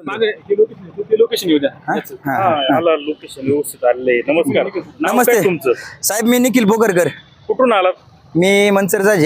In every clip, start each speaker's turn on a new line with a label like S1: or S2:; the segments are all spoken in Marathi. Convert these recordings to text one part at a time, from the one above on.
S1: मागे ते लोकेशन येऊ द्या.
S2: आला लोकेशन व्यवस्थित आले. नमस्कार. नाव
S3: नमस्ते.
S2: काय तुमचं?
S3: साहेब मी निखिल बोकरकर.
S2: कुठून आलात?
S3: मी मनसरजाजे.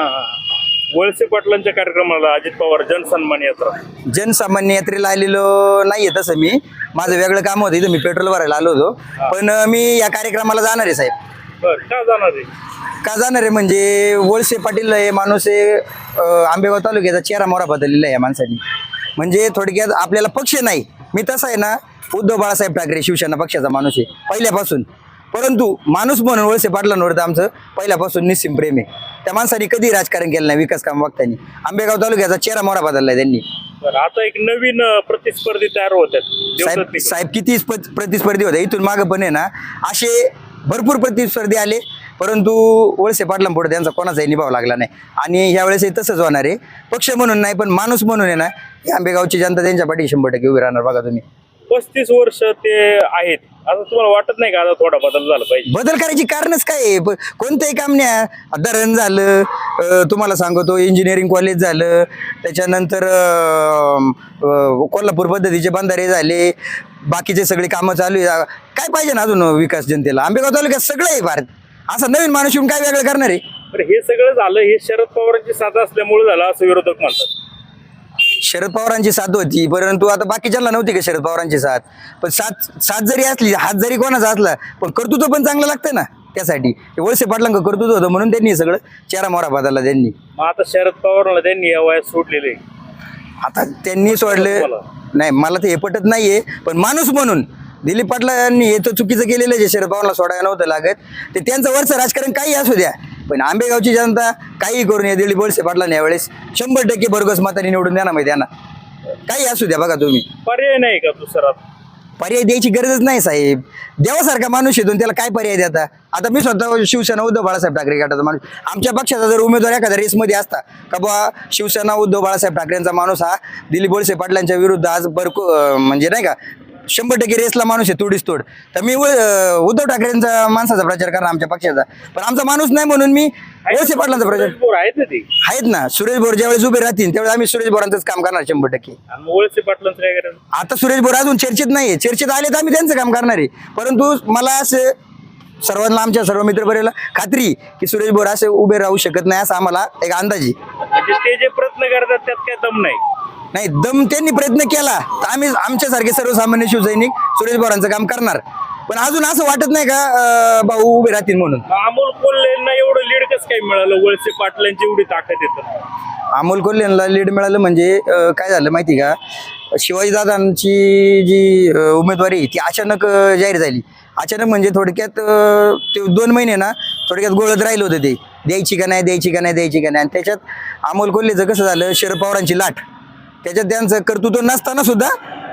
S2: वळसे पाटलांच्या कार्यक्रमाला अजित पवार जनसन्मान यात्रा.
S3: जनसामान्य यात्रेला आलेलो नाहीये तसं मी. माझं वेगळं काम होतं इथं, मी पेट्रोल भरायला आलो होतो. पण मी या कार्यक्रमाला जाणार आहे साहेब.
S2: बरं, का जाणार आहे?
S3: का जाणार आहे म्हणजे वळसे पाटील हे माणूस आहे, आंबेगाव तालुक्याचा चेहरा मोहरा बदललेला आहे या माणसाने. म्हणजे थोडक्यात आपल्याला पक्ष नाही, मी तसा आहे ना उद्धव बाळासाहेब ठाकरे शिवसेना पक्षाचा माणूस आहे पहिल्यापासून. परंतु माणूस म्हणून वळसे पाटलांवर तर आमचं पहिल्यापासून निस्सीम प्रेम आहे. त्या माणसाने कधी राजकारण केलं नाही विकास काम बघताना. आंबेगाव तालुक्याचा चेहरा मोहरा बदललाय त्यांनी.
S2: आता एक नवीन प्रतिस्पर्धी तयार होतात.
S3: साहेब किती प्रतिस्पर्धी होते इथून मागं पण आहे ना, असे भरपूर प्रतिस्पर्धी आले, परंतु वळसे पाटलांपुढे त्यांचा कोणाचाही निभाव लागला नाही. आणि यावेळेस तसंच होणार आहे. पक्ष म्हणून नाही पण माणूस म्हणून आहे ना, आंबेगावची जनता त्यांच्या पाठी 100% उभी राहणार. बघा तुम्ही
S2: 35 वर्ष ते आहेत, आता तुम्हाला वाटत नाही का आता थोडा बदल झाला पाहिजे?
S3: बदल करायची कारणच काय आहे? कोणतंही काम नाही. धरण झालं, तुम्हाला सांगतो इंजिनिअरिंग कॉलेज झालं, त्याच्यानंतर कोल्हापूर पद्धतीचे बंधारे झाले, बाकीचे सगळे कामं चालू आहे. काय पाहिजे ना अजून विकास जनतेला? आंबेगाव तालुक्यात सगळं आहे भारत. असं नवीन माणूस येऊन काय वेगळं करणार आहे?
S2: तर हे सगळं झालं हे शरद पवारांची साथ असल्यामुळे झालं असं विरोधक म्हणतात.
S3: शरद पवारांची साथ होती, परंतु आता बाकीच्यांना नव्हती का शरद पवारांची साथ? पण साथ जरी असली, हात जरी कोणाचा असला, पण कर्तृत्व पण चांगलं लागतं ना. त्यासाठी वळसे पाटलांक कर्तृत्व होतं म्हणून त्यांनी सगळं चेहरा मोहरा बदलला त्यांनी.
S2: मग आता शरद पवारला त्यांनी या वयात सोडलेले.
S3: आता त्यांनी सोडलं नाही, मला ते हे पटत नाहीये. पण माणूस म्हणून दिलीप पाटलांनी हे तर चुकीचं केलेलं जे शरद पवारला सोडायला नव्हतं लागत. ते त्यांचं वरचं राजकारण काही असू द्या, पण आंबेगावची जनता काही करून या दिलीप वळसे पाटलांनी यावेळेस 100% भरघोस मताने निवडून देणार माहिती त्यांना. काही असू द्या. बघा तुम्ही,
S2: पर्याय नाही का दुसरा?
S3: पर्याय द्यायची गरजच नाही साहेब. देवासारखा माणूस येतो त्याला काय पर्याय देता? आता मी स्वतः शिवसेना उद्धव बाळासाहेब ठाकरे गटाचा माणूस. आमच्या पक्षाचा जर उमेदवार एखाद्या रेसमध्ये असता का बा शिवसेना उद्धव बाळासाहेब ठाकरेंचा माणूस हा दिलीप वळसे पाटलांच्या विरुद्ध आज म्हणजे नाही का 100% रेसला माणूस आहे तोडीस तोड, तर मी उद्धव ठाकरेंचा माणसाचा प्रचार करणार आमच्या पक्षाचा. पण आमचा माणूस नाही म्हणून मी वळसे पाटलांचा प्रचार आहेत ना. सुरेश बोर ज्यावेळेस उभे राहतील त्यावेळेस आम्ही सुरेश बोरांचंच काम करणार 100%.
S2: वळसे पाटलांचं काय करायचं? आता
S3: सुरेश बोर अजून चर्चेत नाहीये, चर्चेत आले तर आम्ही त्यांचं काम करणार आहे. परंतु मला असं सर्वांना, आमच्या सर्व मित्रपरिवाराला खात्री की सुरेश बोर असे उभे राहू शकत नाही असा आम्हाला एक अंदाज आहे.
S2: म्हणजे ते जे प्रयत्न करतात त्यात काय दम
S3: नाही, दम त्यांनी प्रयत्न केला तर आम्ही आमच्यासारखे सर्वसामान्य शिवसैनिक सुरेश बोरांचं काम करणार. पण अजून असं वाटत नाही का भाऊ उभे राहतील म्हणून?
S2: अमोल कोल्हेंना एवढं लीड कसं काय मिळालं? वळसे पाटलांची एवढी ताकद येतं.
S3: अमोल कोल्हेंना लीड मिळालं म्हणजे काय झालं माहिती का, शिवाजीदादांची जी उमेदवारी ती अचानक जाहीर झाली. अचानक म्हणजे थोडक्यात ते 2 महिने ना थोडक्यात गोळत राहिलं होतं, ते द्यायची का नाही द्यायची का नाही द्यायची का नाही. आणि त्याच्यात अमोल कोल्हेचं कसं झालं, शरद पवारांची लाट, त्याच्यात त्यांचं कर्तृत्व नसताना सुद्धा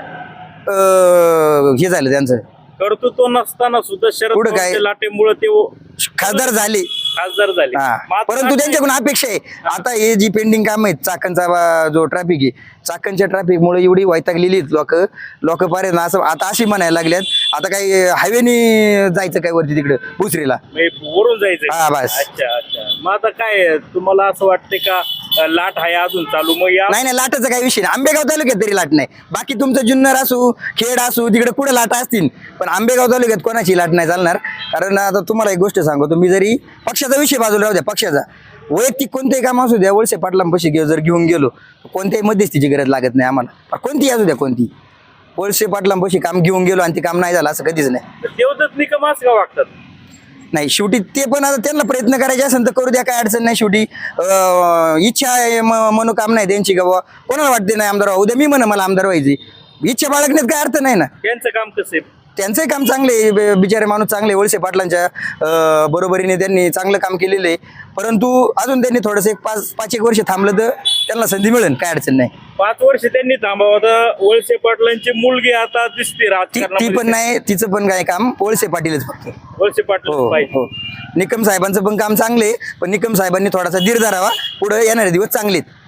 S3: हे झालं. त्यांचं
S2: कर्तृत्व नसताना सुद्धा शरद पवारांच्या लाटेमुळे ते खासदार झाले.
S3: परंतु त्यांच्याकडून अपेक्षा आहे आता हे जी पेंडिंग काम आहेत, चाकणचा जो ट्रॅफिक आहे, चाकणच्या ट्रॅफिकमुळे एवढी वैतागलेली लोक पारे ना. असं आता अशी म्हणायला लागल्यात आता काही हायवेनी जायचं काय वरती तिकडे भुसरीला
S2: वरून जायचं.
S3: हा बस.
S2: अच्छा. मग आता काय तुम्हाला असं वाटतंय का लाट आहे अजून चालू? मग
S3: नाही, लाटाचा काही विषय नाही. आंबेगाव तालुक्यात तरी लाट नाही. बाकी तुमचं जुन्नर असू, खेड असू, तिकडे पुढे लाटा असतील, पण आंबेगाव तालुक्यात कोणाची लाट नाही चालणार. कारण आता तुम्हाला एक गोष्ट सांगतो, तुम्ही जरी पक्षाचा विषय बाजूला राहू द्या, पक्षाचा वैयक्तिक कोणतेही काम असू द्या, वळसे पाटलांपाशी जर घेऊन गेलो कोणत्याही मध्यस्थीची गरज लागत नाही आम्हाला. कोणतीही असू द्या, कोणती वळसे पाटलांपाशी काम घेऊन गेलो आणि ते काम नाही झालं असं कधीच नाही.
S2: देवदत्त निकम असं का वागतात?
S3: नाही, शेवटी ते पण आता त्यांना प्रयत्न करायचे असेल तर करू द्या, काय अडचण नाही. शेवटी इच्छा आहे, मनोकामना आहे त्यांची का बाबा कोणाला वाटते नाही आमदार व्हावं, उद्या मी मला आमदार व्हायची इच्छा बाळगण्यात काय अर्थ नाही ना.
S2: त्यांचं काम कसं आहे?
S3: त्यांचंही काम चांगले, बिचारे माणूस चांगले. वळसे पाटलांच्या बरोबरीने त्यांनी चांगलं काम केलेलं आहे. परंतु अजून त्यांनी थोडंसं 5-1 वर्ष थांबलं तर त्यांना संधी मिळेल, काय अडचण नाही.
S2: 5 वर्ष त्यांनी थांबावं. वळसे पाटलांची मुलगी आता दिसते राजकारणात.
S3: ती पण नाही, तिचं पण काय काम वळसे पाटीलच फक्त.
S2: वळसे पाटील
S3: निकम साहेबांचं पण काम चांगले, पण निकम साहेबांनी थोडासा धीर धरावा, पुढे येणारे दिवस चांगलेत.